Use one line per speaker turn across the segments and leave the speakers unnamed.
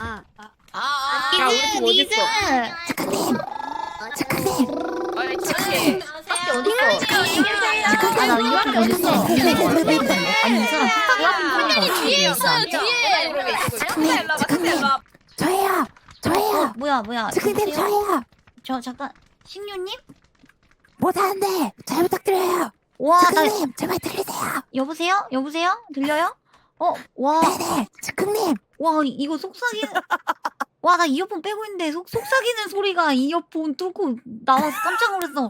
야, 우리 팀 어딨어?
작가님.
아니, 저렇게. 밖에 어딨어?
나 이렇게 어딨어? 아니 이 사람
이 뒤에 있어요, 뒤에. 작가님.
저예요. 뭐야?
작가님
여보세요?
저예요.
저 잠깐 식류님?
못하는데 잘 부탁드려요.
와, 나
작가님 제발 들리세요.
여보세요? 들려요? 와,
네네. 작가님.
와 이거 속삭이는. 와, 나 이어폰 빼고 있는데 속삭이는 소리가 이어폰 뚫고 나와서 깜짝 놀랐어.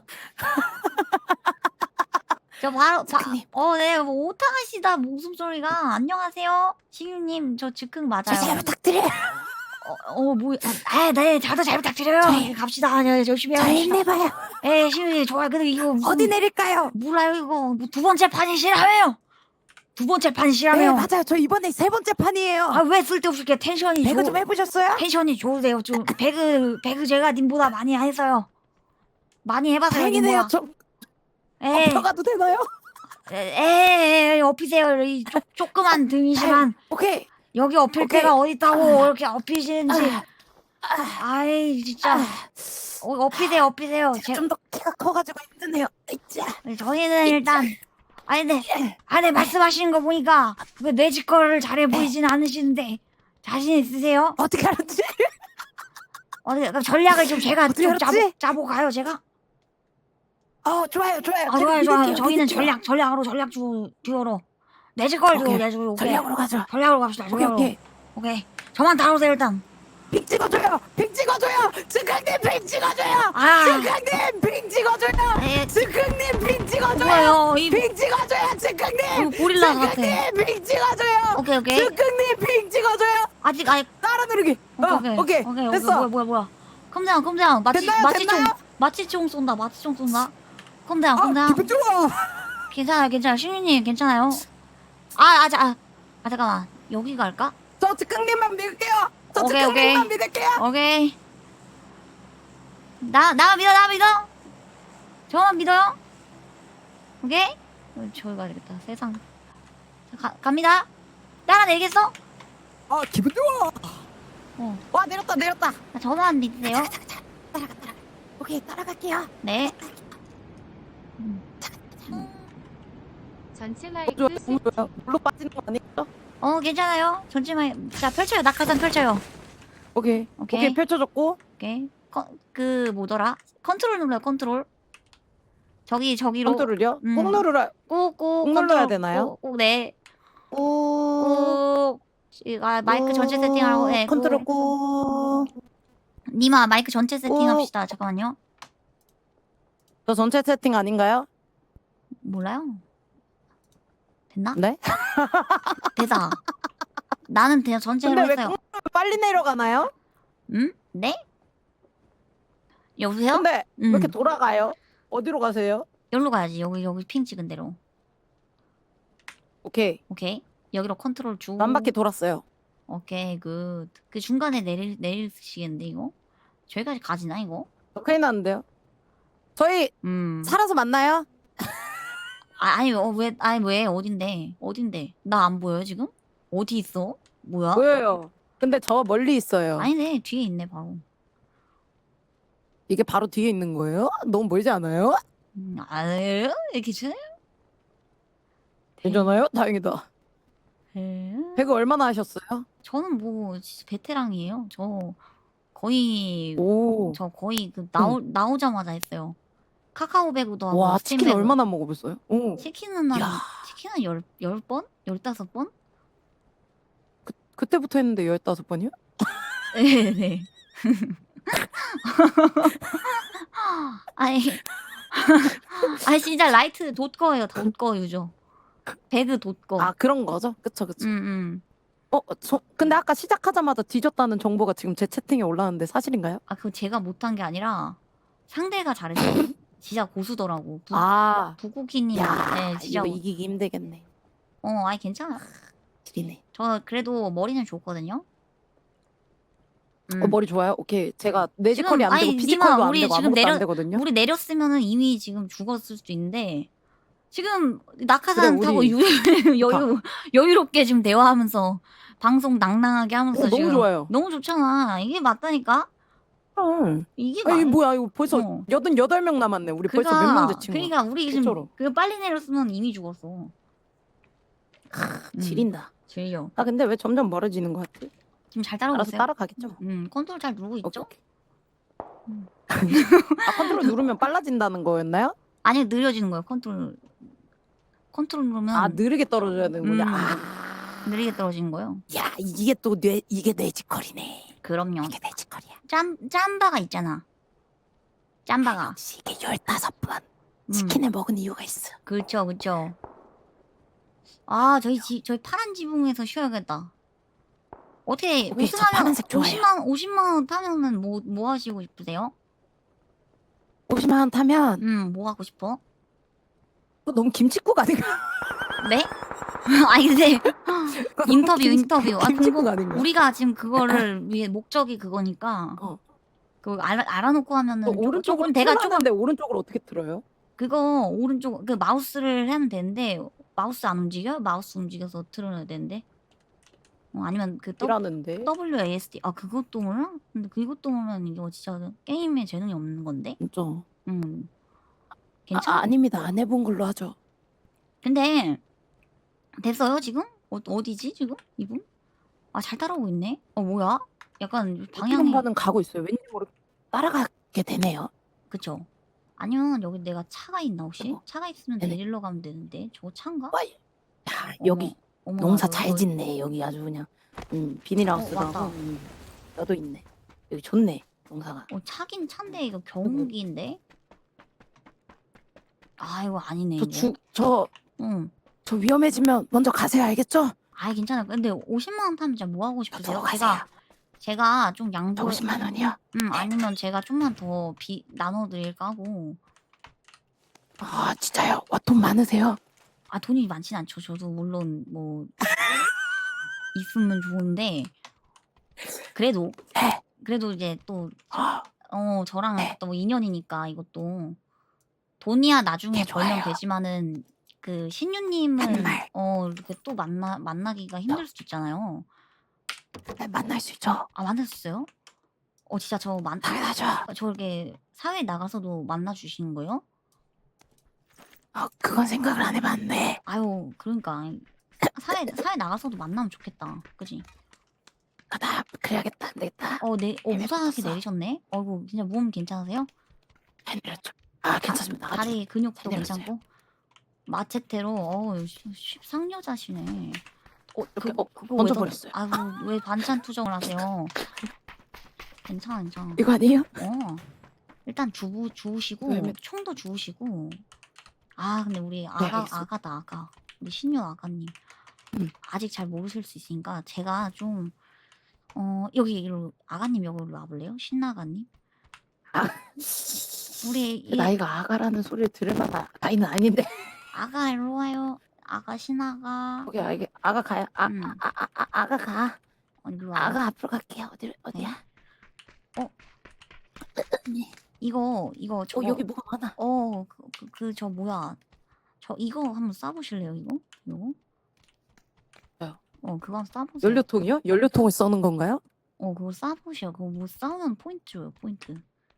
저 바로
작가님.
네, 뭐 오타가시다 목숨소리가. 안녕하세요, 식류님. 저 즉흥 맞아요.
저 잘 부탁드려요.
뭐, 네, 저도 잘 부탁드려요. 갑시다. 네, 열심히
잘
합시다.
힘내봐요.
예, 식류님 좋아요. 근데 이거 무슨,
어디 내릴까요?
몰라요 이거. 뭐 두 번째 판이시라며요. 두 번째
네
판이시라며요.
맞아요. 저 이번에 세 번째 판이에요.
왜 쓸데없이 이렇게 텐션이
배그 좀 해보셨어요?
텐션이 좋으세요. 좀 배그 제가 님보다 많이 했어요. 많이 해봐서요.
다행이네요.
님보다.
저
예,
엎어가도 되나요?
업히세요. 이 조그만 등이지만
오케이.
여기 업힐
오케이.
데가 어딨다고 이렇게 업히시는지. 아이 진짜. 업히세요. 제가
좀 더 키가 커가지고 힘드네요. 자,
저희는 일단 네, 말씀하시는 거 보니까 왜 매지컬을 잘해 보이진 않으시는데 자신 있으세요?
어떻게 알았지?
그럼 전략을 좀 제가
어떻게
좀
알았지?
짜보 가요 제가?
좋아요.
좋아요. 저희는 전략으로 듀오로 매지컬 듀오
오케이.
내주고
전략으로 가죠.
전략으로 갑시다. 오케이. 저만 다루세요 일단.
빙 찍어줘요. 즉흥님 빙 찍어줘요.
아.
즉흥님 빙 찍어줘요.
네.
즉흥님 빙 찍어줘요.
뭐예요?
빙 찍어줘요. 즉흥님.
고릴라 같아.
즉흥님 빙 찍어줘요.
오케이.
즉흥님 빙 찍어줘요.
아직
따라 누르기. 오케이. 됐어.
뭐야. 컴다운.
됐나요?
마취총 쏜다. 컴다운.
기분 좋아.
괜찮아요. 신유님 괜찮아요? 잠깐만. 여기 갈까?
저 즉흥님만 믿을게요.
오케이.
즉흥님만 믿을게요.
오케이. 나 믿어. 저만 믿어요. 오케이? 저기 가야 되겠다. 세상. 갑니다. 따라 내리겠어?
기분 좋아. 와 내렸다.
저만 믿으세요.
따라가. 오케이 따라갈게요.
네.
전체 마이크
너무 좋아요. 물로 빠지는 거 아니죠?
괜찮아요. 전체만. 자, 펼쳐요. 낙하산 펼쳐요.
오케이 펼쳐졌고.
오케이. 뭐더라? 컨트롤 눌러요. 컨트롤. 저기로.
컨트롤이요?
음.
꼭 누르라.
꾹
눌러야 되나요?
꾹. 네.
꾹.
마이크 전체 세팅하고. 네.
컨트롤 꾹.
니마 마이크 전체 세팅합시다. 잠깐만요.
저 전체 세팅 아닌가요?
몰라요. 됐나?
네?
됐다. 나는 그냥 전체로
근데 왜
했어요.
빨리 내려가나요?
네? 여보세요?
근데 왜 이렇게 돌아가요? 어디로 가세요?
여기로 가야지. 여기 핑 찍은 대로.
오케이.
여기로 컨트롤 주고.
한 바퀴 돌았어요.
오케이, 굿. 그 중간에 내리시겠는데 이거? 저기까지 가지나 이거?
큰일 났는데요. 저희 살아서 만나요?
왜 어딘데? 나 안 보여요 지금? 어디 있어? 뭐야?
보여요. 근데 저 멀리 있어요.
아니네, 뒤에 있네 바로.
이게 바로 뒤에 있는 거예요? 너무 멀지 않아요?
괜찮아요?
괜찮아요? 다행이다. 배그 얼마나 하셨어요?
저는 뭐 진짜 베테랑이에요. 저 거의 나오자마자 했어요. 카카오 배구도 하고.
와
스팀
치킨
배구.
얼마나 먹어봤어요? 오.
치킨은 치킨은 10번? 15번?
그때부터 했는데 15번이요?
네. 아니 진짜 라이트 돋거예요. 돋거 유저. 배그 돋거.
그런 거죠? 그쵸. 근데 아까 시작하자마자 뒤졌다는 정보가 지금 제 채팅에 올라왔는데 사실인가요?
그거 제가 못한 게 아니라 상대가 잘했어요. 진짜 고수더라고. 부구키님. 네, 진짜.
이거 이기기 힘들겠네.
괜찮아.
지리네.
저 그래도 머리는 좋거든요.
머리 좋아요? 오케이. 제가 내지컬이 안 되고 피지컬도 안 되고 아무것도 안 되거든요.
우리 내렸으면은 이미 지금 죽었을 수도 있는데 지금 낙하산
그래,
타고
우리
여유롭게 지금 대화하면서 방송 낭낭하게 하면서
너무
지금
좋아요.
너무 좋잖아. 이게 맞다니까.
이게
맞-
뭐야 이거 벌써
어.
88명 남았네. 우리 벌써 몇 명 됐지?
그러니까 우리 지금
진짜로.
그 빨리 내렸으면 이미 죽었어.
지린다.
질려.
아 근데 왜 점점 멀어지는 것 같지?
지금 잘 따라오고
알아서
있어요?
따라가겠죠.
컨트롤 잘 누르고
오케이,
있죠?
오케이. 아 컨트롤 누르면 빨라진다는 거였나요?
아니 느려지는 거예요. 컨트롤 누르면
아 느리게 떨어져야 되는군요.
느리게 떨어지는 거예요.
야 이게 또 이게 뇌지컬이네.
그럼요.
이게 뇌지컬이야.
짬바가 있잖아. 짬바가.
역시 이게 15번
음.
치킨을 먹은 이유가 있어.
그쵸. 아 저희 파란 지붕에서 쉬어야겠다. 어떻게
오케이, 저
우승하면
파란색 좋아해요.
50만 원 타면은 뭐 하시고 싶으세요?
50만 원 타면
뭐 하고 싶어?
너무 김치국 아닌가?
네? 아니 근데 인터뷰. 아
김치국
그리고
아닌가?
우리가 지금 그거를 위해 목적이 그거니까 그거 알아놓고 하면은
오른쪽으로
내가
틀었는데 오른쪽으로 어떻게 틀어요?
그거 오른쪽 그 마우스를 하면 되는데 마우스 안 움직여? 마우스 움직여서 틀어야 되는데 아니면 그
이라는데
WASD 그것도 몰라? 근데 그것도 모르면 이거 진짜 게임에 재능이 없는 건데.
진짜.
괜찮아?
아닙니다. 안 해본 걸로 하죠.
근데 됐어요 지금? 어디지 지금 이분? 잘 따라오고 있네. 뭐야? 약간 방향이
방향은 가고 있어요. 왠지 모르게 따라가게 되네요.
그쵸? 아니면 여기 내가 차가 있나 혹시?
어머.
차가 있으면
네네.
데리러 가면 되는데 저거 차인가?
야 여기
어머,
농사
나
잘
여기-
짓네. 여기 아주 그냥 비닐하우스도
왔다.
하고 너도 있네. 여기 좋네 농사가.
차긴 차인데 이거 경운기인데? 이거 아니네 이거.
저 위험해지면 먼저 가세요. 알겠죠?
괜찮아. 근데 50만 원 타면 진짜 뭐 하고 싶으세요?
가세요.
제가 좀 양보.
50만 원이요?
아니면 제가 좀만 더 나눠드릴까 하고.
아 진짜요? 와 돈 많으세요?
돈이 많진 않죠. 저도 물론 뭐 있으면 좋은데 그래도 이제 또 저랑 또 뭐 인연이니까 이것도 돈이야 나중에 벌면 되지만은 그 신유님을 이렇게 또 만나기가 힘들 수도 있잖아요.
만날 수 있죠.
만날 수 있어요? 진짜
당연하죠.
저 이렇게 사회 나가서도 만나 주시는 거예요?
그건 생각을 안 해봤네.
아유 그러니까 사회 나가서도 만나면 좋겠다. 그지?
나 그래야겠다. 안 되겠다.
무사하게 내리셨네. 진짜 몸 괜찮으세요?
내렸죠. 괜찮습니다.
다리 근육도
내렸어요.
괜찮고 마체테로 상여자시네. 그거
먼저
왜
버렸어요.
왜 반찬 투정을 하세요? 괜찮아.
이거 아니에요?
일단 주우시고
왜?
총도 주우시고. 근데 우리
알겠습니다.
아가 우리 신유 아가님 아직 잘 모르실 수 있으니까 제가 좀 여기로 아가님 여기로 와볼래요? 신나가님. 우리
나이가 아가라는 소리를 들을 만한 나이는 아닌데.
아가 일로 와요. 아가 신아가.
오케이, 아가 가요. 아가 가.
일로 와.
아가 앞으로 갈게요. 어디야?
이거 저
여기 뭐가 많아.
저 뭐야? 저 이거 한번 쏴보실래요? 이거?
뭐요?
그거 한번 쏴보세요.
연료통이요? 연료통을 써는 건가요?
그거 쏴보셔. 그거 뭐 싸우면 포인트 줘요. 포인트.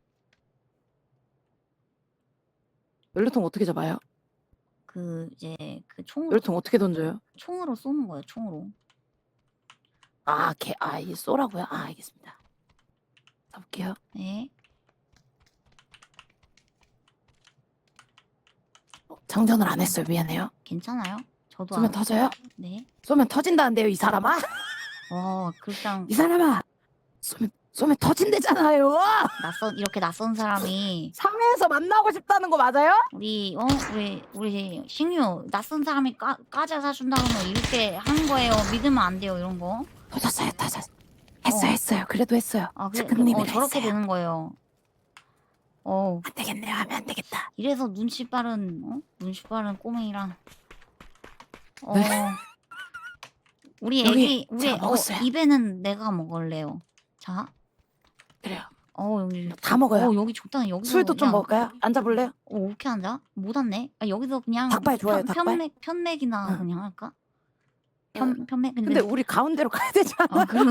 연료통 어떻게 잡아요?
이제 그 총으로
연료통 어떻게 던져요?
총으로 쏘는 거예요. 총으로.
이게 쏘라고요? 알겠습니다. 가볼게요.
네.
장전을 안 했어요. 미안해요.
괜찮아요. 저도
쏘면 터져요?
네.
쏘면 터진다는데요, 이 사람아?
그냥
이 사람아! 쏘면 터진대잖아요!
이렇게 낯선 사람이
사회에서 만나고 싶다는 거 맞아요?
우리 신유 낯선 사람이 까자 사준다 그러면 이렇게 하는 거예요. 믿으면 안 돼요. 이런 거.
터졌어요. 했어요. 그래도 했어요.
그래, 저렇게 되는 거예요.
안 되겠네요. 하면 안 되겠다.
이래서 눈치 빠른 꼬맹이랑 우리
여기
우리
제가 먹었어요.
입에는 내가 먹을래요. 자.
그래요.
여기
다 먹어요.
여기 적당히 여기서
술도 좀
그냥-
먹을까요? 앉아볼래요?
어떻게 앉아? 못 앉네. 여기서 그냥
닭발 좋아요, 닭발?
편맥이나
응.
그냥 할까? 편맥
근데 우리 가운데로 가야 되잖아.
그럼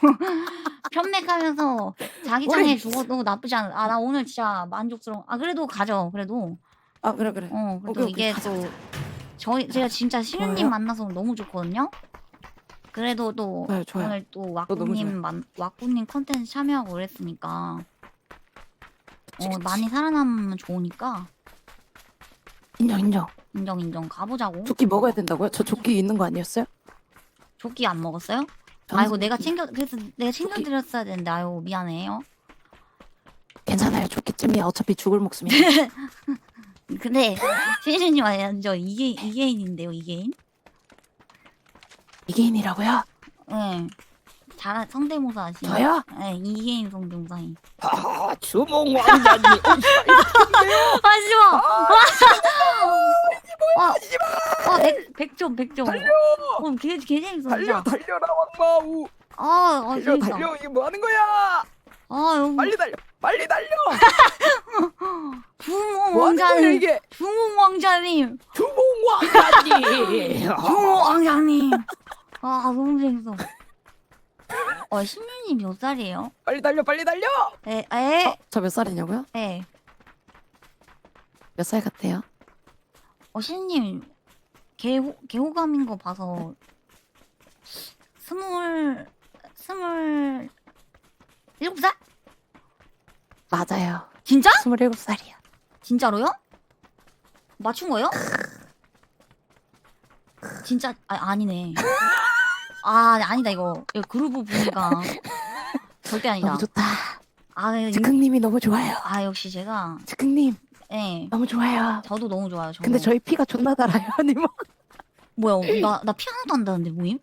편맥하면서 자기장에
우리-
죽어도 나쁘지 않아. 나 오늘 진짜 만족스러워. 그래도 가죠. 그래도.
아 그래.
그래도
오케이,
이게
가자,
또
가자.
제가 진짜 신우님
좋아요.
만나서 너무 좋거든요. 그래도 또
좋아요.
오늘 또
너무
왁구님 컨텐츠 참여하고 그랬으니까
그치.
많이 살아남으면 좋으니까
인정.
인정 가보자고.
조끼 먹어야 된다고요? 저 조끼 있는 거 아니었어요?
조끼 안 먹었어요?
저는
아이고 내가
조끼.
그래서 내가 챙겨드렸어야 되는데 아유 미안해요.
괜찮아요. 조끼쯤이야. 어차피 죽을 목숨이야.
근데 신우님 완전 이계인인데요 이계인?
이계인이라고요?
네. 잘 성대모사 하시네.
저요?
네, 이계인 성대모사인.
주몽 왕자님.
하지마. 백점.
달려!
개 재밌어 진짜.
달려라 왕마우.
재밌다.
이게 뭐 하는 거야?
여기
빨리 달려.
주몽
뭐 하는 거야
왕자님.
이게?
주몽 왕자님.
주몽 왕자님.
주몽 왕자님. 너무 재밌어. 신유님 몇 살이에요?
빨리 달려.
에.
저 몇 살이냐고요?
에.
몇 살 같아요?
신유님 개호감인 거 봐서 스물 7살?
맞아요.
진짜?
27살이야.
진짜로요? 맞춘 거예요? 진짜 아니네. 아니다 이거 그루브 분위기가 절대 아니다.
너무 좋다.
이-
즉흥님이 너무 좋아요.
역시 제가
즉흥님
네
너무 좋아요.
저도 너무 좋아요. 저도.
근데 저희 피가 존나 달아요, 아니면?
뭐야 나 피아노도 한다는데 모임?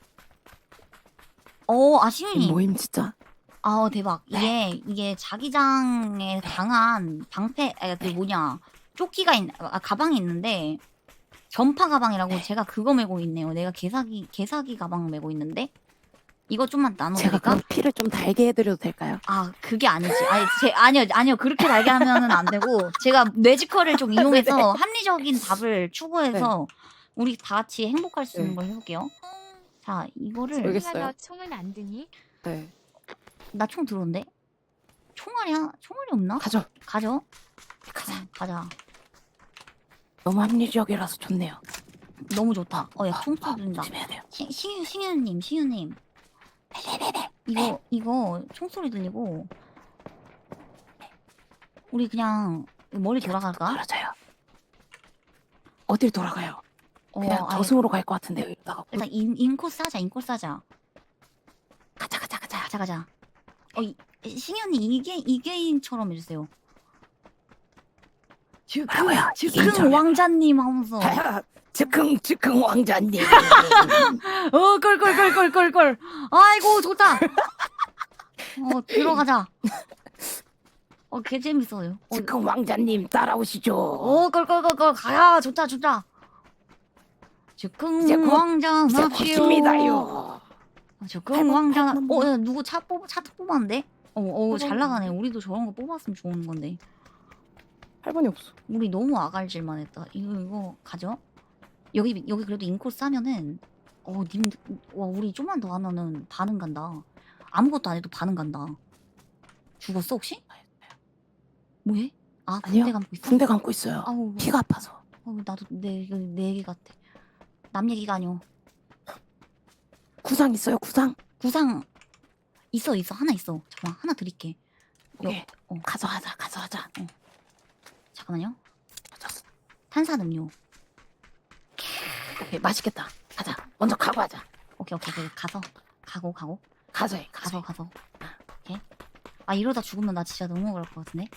시윤이
모임 진짜.
대박. 이게 자기장에 강한 방패 조끼가 가방이 있는데 전파 가방이라고 제가 그거 메고 있네요. 내가 개사기 가방 메고 있는데 이거 좀만
제가
나눠드릴까?
그럼 피를 좀 달게 해드려도 될까요?
그게 아니지. 아니요 그렇게 달게 하면은 안 되고 제가 뇌지컬을 좀 이용해서 합리적인 답을 추구해서 우리 다 같이 행복할 수 있는 걸 해볼게요. 자 이거를
알겠어요.
너 총은 안 드니?
네.
나 총 들어온대? 총알이 없나?
가죠.
가죠.
가자.
가자.
너무 합리적이라서 좋네요.
너무 좋다. 야 총소리 들린다.
조심해야 돼요.
신유님. 이거 총소리 들리고 우리 그냥 머리 돌아갈까?
떨어져요. 어딜 돌아가요? 그냥
아니,
저승으로 갈 것 같은데요. 이러다가
일단 인코스 하자.
가자.
신현이 이계인처럼 해주세요.
뭐라고요?
즉흥 왕자님 하면서
즉흥 왕자님.
걸. 아이고 좋다. 들어가자. 개 재밌어요.
즉흥 왕자님 따라오시죠.
걸 가야 좋다. 즉흥 왕자 납시오.
시작합니다요.
즉흥 왕자.
팔 번.
야, 누구 차 뽑았는데? 잘 나가네. 우리도 저런 거 뽑았으면 좋은 건데.
8번이 없어.
우리 너무 아갈질만 했다. 이거 가죠? 여기 그래도 인코스 하면은 우리 좀만 더 하면은 반응 간다. 아무것도 안 해도 반응 간다. 죽었어 혹시? 뭐해?
아니요.
붕대 감고 있어?
붕대 감고 있어요.
아우
피가 아파서.
나도 내 얘기 같아. 남 얘기가 아니오.
구상 있어요, 구상?
구상 있어 하나 있어. 잠깐만 하나 드릴게.
오케이. 가서 하자.
잠깐만요.
맞았어.
탄산음료.
오케이, 맛있겠다. 가자. 먼저 가고 하자.
오케이 가서 가고
가서 해.
가서. 오케이. 이러다 죽으면 나 진짜 너무 억울할 것 같은데.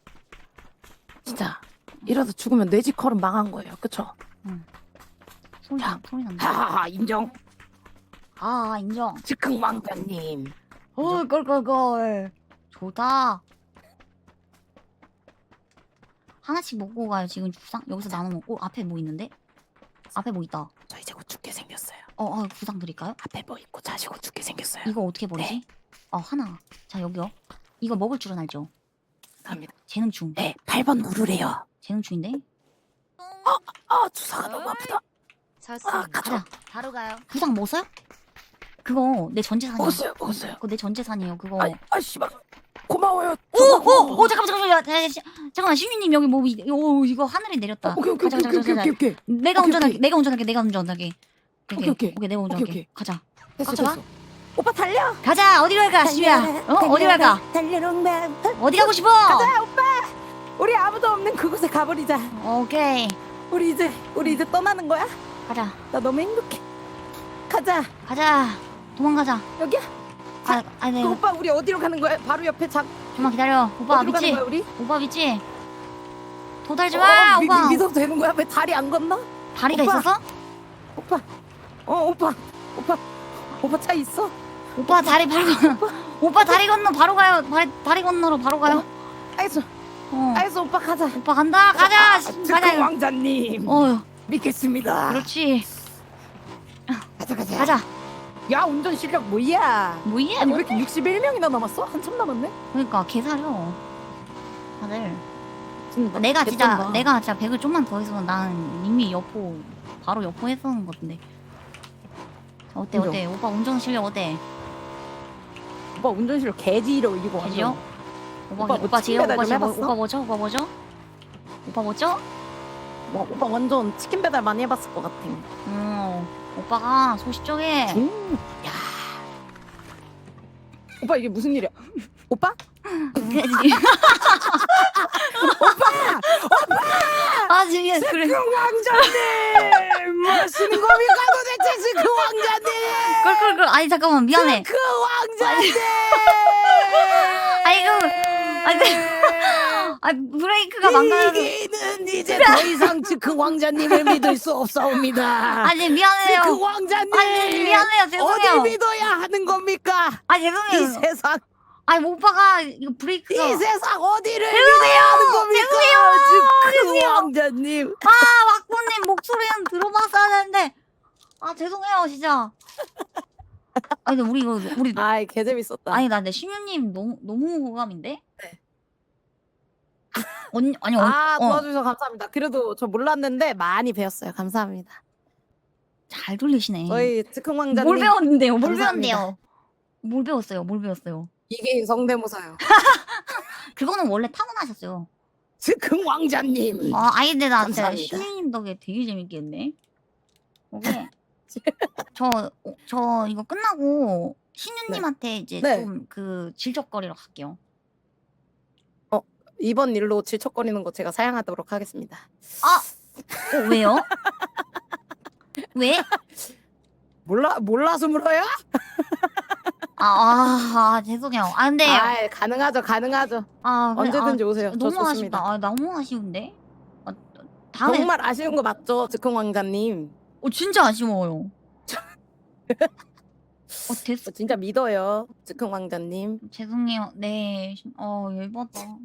진짜 이러다 죽으면 뇌지컬은 망한 거예요. 그쵸?
소리 난다.
하하하 인정.
인정.
즉흥 왕자님.
걸. 좋다. 하나씩 먹고 가요. 지금 구상 여기서 나눠 먹고. 앞에 뭐 있는데? 앞에 뭐 있다.
저 이제 곧 죽게 생겼어요.
구상 드릴까요?
앞에 뭐 있고 자시고 죽게 생겼어요.
이거 어떻게 버리지? 하나. 자 여기요. 이거 먹을 줄은 알죠?
감사합니다.
재능충.
네, 8번 누르래요.
재능충인데?
주사가 너무 아프다.
좋습니다.
가자. 바로 가요. 부상 뭐 써요? 그거 내 전재산이야.
먹었어요.
그거 내 전재산이에요. 그거.
씨발. 고마워요.
오, 잠깐만, 시민님 여기 뭐 이거 하늘에 내렸다.
오케이.
가자. 내가 운전할게. 내가 운전할게. 오케이, 내가 운전할게.
오케이.
가자.
됐어. 오빠 달려.
가자. 어디로 갈까, 시미야? 어디 갈까?
달려롱다.
어디 가고 싶어?
가자 오빠. 우리 아무도 없는 그곳에 가버리자.
오케이.
우리 이제 떠나는 거야?
가자.
나 너무 행복해. 가자.
도망가자.
여기야.
네.
그 오빠 우리 어디로 가는 거야? 바로 옆에
좀만 기다려. 오빠
어디로 가는
믿지?
거야 우리?
오빠 믿지? 도달지 마, 오빠.
믿어도 되는 거야? 왜 다리 안 건너?
다리가
오빠.
있었어?
오빠 차 있어?
오빠 다리 바로 오빠 다리 건너 바로 가요. 다리 건너러 바로 가요.
알겠어 오빠 가자.
오빠 간다. 가자.
가자 왕자님. 믿겠습니다.
그렇지.
가자. 야 운전 실력 뭐야?
뭐야?
아니 왜 이렇게 61명이나 남았어? 한참 남았네.
그러니까 개사려. 다들.
진짜
내가
개쩐다.
진짜 100을 좀만 더 했으면 난 이미 바로 여포 했었는 건데. 어때? 오빠 운전 실력 어때?
오빠 운전 실력 개지로 이기고
개지요?
오빠
오빠 지금
치킨 배달 좀 해봤어?
오빠 뭐죠?
오빠 완전 치킨 배달 많이 해봤을 것 같아.
오빠가 소시적에.
야. 오빠 이게 무슨 일이야? 오빠?
아 지금 그래.
그 왕자님 무슨 겁니까 도대체 그 왕자님?
꿀. 아니 잠깐만 미안해.
그 왕자님.
브레이크가 망가져.
이기는 이제 더 이상 그 왕자님을 믿을 수 없사옵니다.
아니 미안해요.
그 왕자님.
아니 미안해요. 죄송해요.
어디 믿어야 하는 겁니까?
아 죄송해요.
이 세상.
아니 오빠가 이거 브레이크가.
이 세상 어디를 믿어야 하는 겁니까? 그 왕자님.
왁구님 목소리는 들어봤어야 되는데. 아 죄송해요 진짜. 아니 근데 우리
아이 개 재밌었다.
아니 나 근데 신유님 너무 호감인데?
네. 도와주셔서 감사합니다. 그래도 저 몰랐는데 많이 배웠어요. 감사합니다.
잘 돌리시네.
저희 즉흥 왕자님.
뭘 배웠는데요?
감사합니다.
뭘 배웠어요?
이게 성대모사요.
그거는 원래 타고나셨어요.
즉흥 왕자님.
아니 근데 나 진짜
감사합니다.
신유님 덕에 되게 재밌겠네. 오케이. 저 이거 끝나고 신유님한테 이제
네.
좀 그 질적거리러 갈게요.
이번 일로 질척거리는 거 제가 사양하도록 하겠습니다.
왜요? 왜?
몰라서 물어요?
죄송해요. 근데
가능하죠.
그래,
언제든지 오세요. 저
너무
좋습니다.
아쉽다. 너무 아쉬운데. 다음에
정말 아쉬운 거 맞죠, 즉흥 왕자님?
진짜 아쉬워요. 됐어.
진짜 믿어요, 즉흥 왕자님.
죄송해요. 네. 열받아.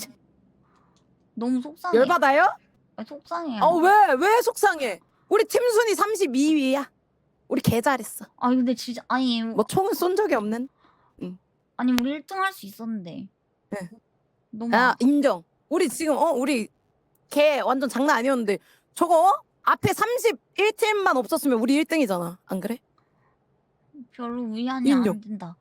너무 속상해.
열받아요?
속상해요.
왜 속상해? 우리 팀 순위 32위야. 우리 개 잘했어.
근데 진짜
뭐 총은 쏜 적이 없는?
우리 1등 할 수 있었는데.
네.
너무
인정. 우리 지금 우리 개 완전 장난 아니었는데 저거 앞에 31팀만 없었으면 우리 1등이잖아. 안 그래?
별로 위안이
인정.
안 된다.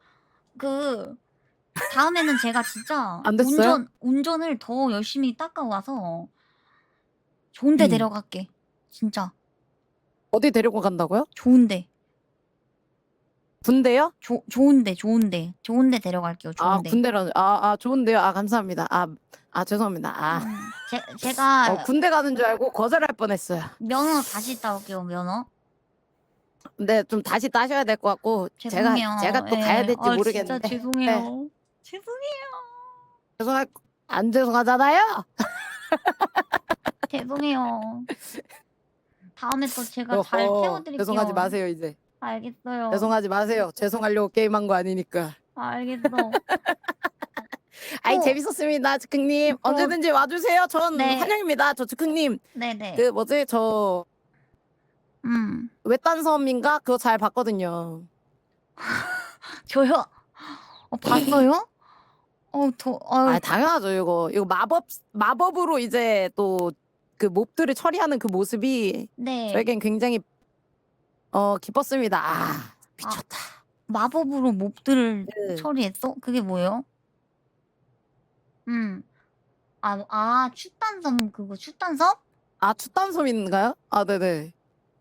다음에는 제가 진짜
안 됐어요?
운전을 더 열심히 닦아와서 좋은 데
음.
데려갈게. 진짜
어디 데리고 간다고요?
좋은 데.
군대요?
좋은 데 데려갈게요. 좋은 데.
군대라는 좋은데요. 감사합니다. 죄송합니다.
제가
군대 가는 줄 알고 거절할 뻔했어요.
면허 다시 따올게요. 면허.
근데 좀 다시 따셔야 될 것 같고
죄송해요.
제가 또 가야 될지 모르겠는데.
진짜 죄송해요. 죄송해요.
안 죄송하잖아요.
죄송해요. 다음에 또 제가 잘 태워드릴게요.
죄송하지 마세요 이제.
알겠어요.
죄송하지 마세요. 죄송하려고 게임한 거 아니니까.
알겠어.
재밌었습니다, 즉흥님. 언제든지 와주세요. 전
네.
환영입니다. 저 즉흥님.
네네.
저 외딴 섬인가 그거 잘 봤거든요.
저요? 봤어요?
당연하죠. 이거 마법으로 이제 또 그 몹들을 처리하는 그 모습이
네.
저에겐 굉장히 기뻤습니다. 미쳤다.
마법으로 몹들을
네.
처리했어? 그게 뭐예요? 추단섬 그거 추단섬?
추탄섬인가요? 네네.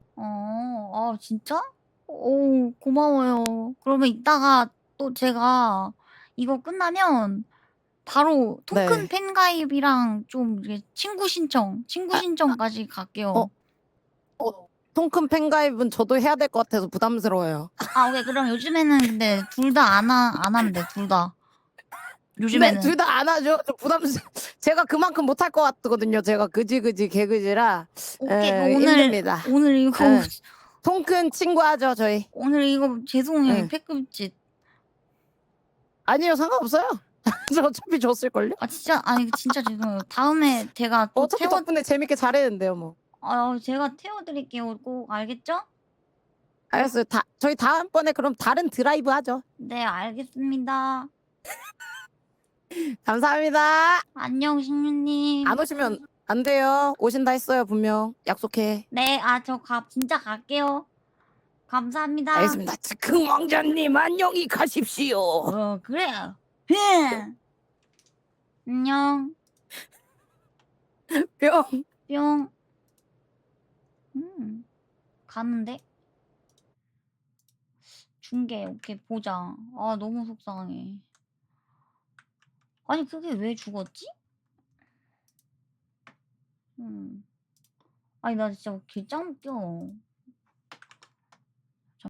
진짜? 오, 고마워요. 그러면 이따가 또 제가 이거 끝나면 바로 토큰
네.
팬 가입이랑 좀 이렇게 친구 신청까지 갈게요.
통큰 팬가입은 저도 해야 될 것 같아서 부담스러워요.
오케이. 그럼 요즘에는 근데 둘 다 안 하면 돼, 둘 다. 요즘에는.
둘 다 안 하죠. 제가 그만큼 못할 것 같거든요. 제가 그지 개그지라.
오케이.
힘듭니다.
오늘 이거
네. 통큰 친구 하죠 저희.
오늘 이거 죄송해요.
네.
패급짓.
아니요 상관없어요. 저 어차피 줬을걸요?
진짜 죄송해요. 다음에 제가 또
어차피 덕분에 재밌게 잘했는데요 뭐.
제가 태워드릴게요. 꼭 알겠죠?
알겠어요. 저희 다음번에 그럼 다른 드라이브 하죠.
네, 알겠습니다.
감사합니다.
안녕, 신유님.
안 오시면 안 돼요. 오신다 했어요 분명. 약속해.
네, 진짜 갈게요. 감사합니다.
알겠습니다. 즉흥 왕자님 안녕히 가십시오.
그래요. 안녕.
뿅.
뿅. 가는데? 중계, 오케이, 보자. 너무 속상해. 아니, 그게 왜 죽었지? 아니, 나 진짜 개짱 웃겨.